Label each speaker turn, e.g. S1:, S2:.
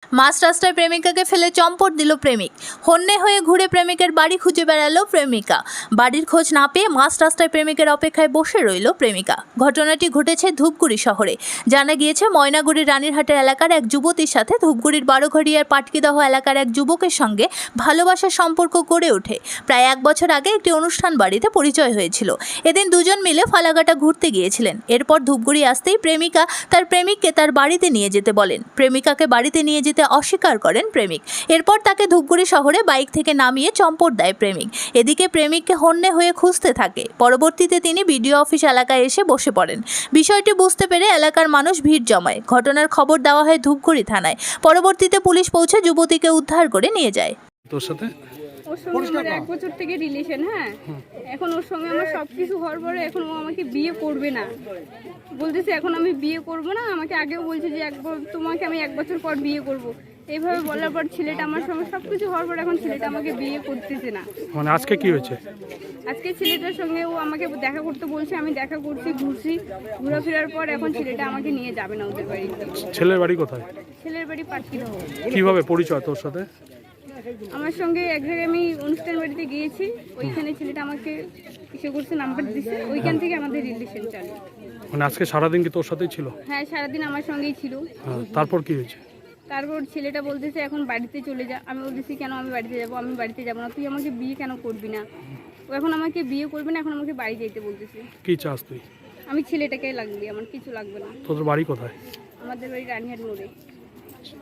S1: মাঝ রাস্তায় প্রেমিকাকে ফেলে চম্পট দিল প্রেমিক। হন্যে হয়ে ঘুরে প্রেমিকের বাড়ি খুঁজে বেড়ালো প্রেমিকা। বাড়ির খোঁজ না পেয়ে মাঝ রাস্তায় প্রেমিকের অপেক্ষায় বসে রইল প্রেমিকা। ঘটনাটি ঘটেছে ধূপগুড়ি শহরে। জানা গিয়েছে, ময়নাগুড়ির রানীরহাটের এলাকার এক যুবতীর সাথে ধূপগুড়ির বারোঘড়িয়ার পাটকিদহ এলাকার এক যুবকের সঙ্গে ভালোবাসার সম্পর্ক গড়ে ওঠে। প্রায় 1 বছর আগে একটি অনুষ্ঠান বাড়িতে পরিচয় হয়েছিল। এদিন দুজন মিলে ফালাকাটা ঘুরতে গিয়েছিলেন। এরপর ধূপগুড়ি আসতেই প্রেমিকা তার প্রেমিককে তার বাড়িতে নিয়ে যেতে বলেন। প্রেমিকাকে বাড়িতে নিয়ে যেতে অস্বীকার করেন প্রেমিক। এরপর তাকে ধূপগুড়ি শহরে বাইক থেকে নামিয়ে চম্পট দেয় প্রেমিক। এদিকে প্রেমিককে হন্যে হয়ে খুঁজতে থাকে। পরবর্তীতে তিনি বিডিও অফিস এলাকায় এসে বসে পড়েন। বিষয়টি বুঝতে পেরে এলাকার মানুষ ভিড় জমায়। ঘটনার খবর দেওয়া হয় ধূপগুড়ি থানায়। পরবর্তীতে পুলিশ পৌঁছে যুবতীকে উদ্ধার করে নিয়ে যায়।
S2: তোর সাথে
S3: ওর সঙ্গে আমার 1 বছর থেকে রিলেশন। হ্যাঁ, এখন ওর সঙ্গে আমার সবকিছু হওয়ার পরে এখন ও আমাকে বিয়ে করবে না বলতেছে। এখন আমি বিয়ে করব না। আমাকে আগেও বলছে যে তোমাকে আমি 1 বছর পর বিয়ে করব। এইভাবে বলার পর ছেলেটা আমার সঙ্গে সবকিছু হওয়ার পর এখন ছেলেটা আমাকে বিয়ে করতেছে না।
S2: মানে আজকে কি হয়েছে?
S3: আজকে ছেলেটার সঙ্গে ও আমাকে দেখা করতে বলছে। আমি দেখা করছি, ঘুরছি, ঘোরাফেরার পর এখন ছেলেটা আমাকে নিয়ে যাবে না ওদের বাড়ি।
S2: ছেলের বাড়ি কোথায়?
S3: ছেলের বাড়ি পাটকিদহ।
S2: কিভাবে পরিচয় তোর সাথে?
S3: আমার সঙ্গে এক জায়গায় আমি অনুষ্ঠান বাড়িতে গিয়েছি, ওইখানে ছেলেটা আমাকে ইসে করছে, নাম্বার দিছে, ওইখান থেকে আমাদের রিলেশন চালু।
S2: মানে আজকে সারাদিন কি তোর সাথেই ছিল?
S3: হ্যাঁ, সারাদিন আমার সঙ্গেই ছিল।
S2: হ্যাঁ, তারপর কি হয়েছে?
S3: তারপর ছেলেটা বলতেছে এখন বাড়িতে চলে যা। আমি বলতেছি কেন আমি বাড়িতে যাব? আমি বাড়িতে যাব না। তুই আমাকে বিয়ে কেন করবি না? ও এখন আমাকে বিয়ে করবে না, এখন আমাকে বাড়ি যেতে বলতেছে।
S2: কি চাস তুই?
S3: আমি ছেলেটাকে লাগবে, আমার কিছু লাগবে না।
S2: তোদের বাড়ি কোথায়?
S3: আমাদের বাড়ি রানীহাট মোড়ে।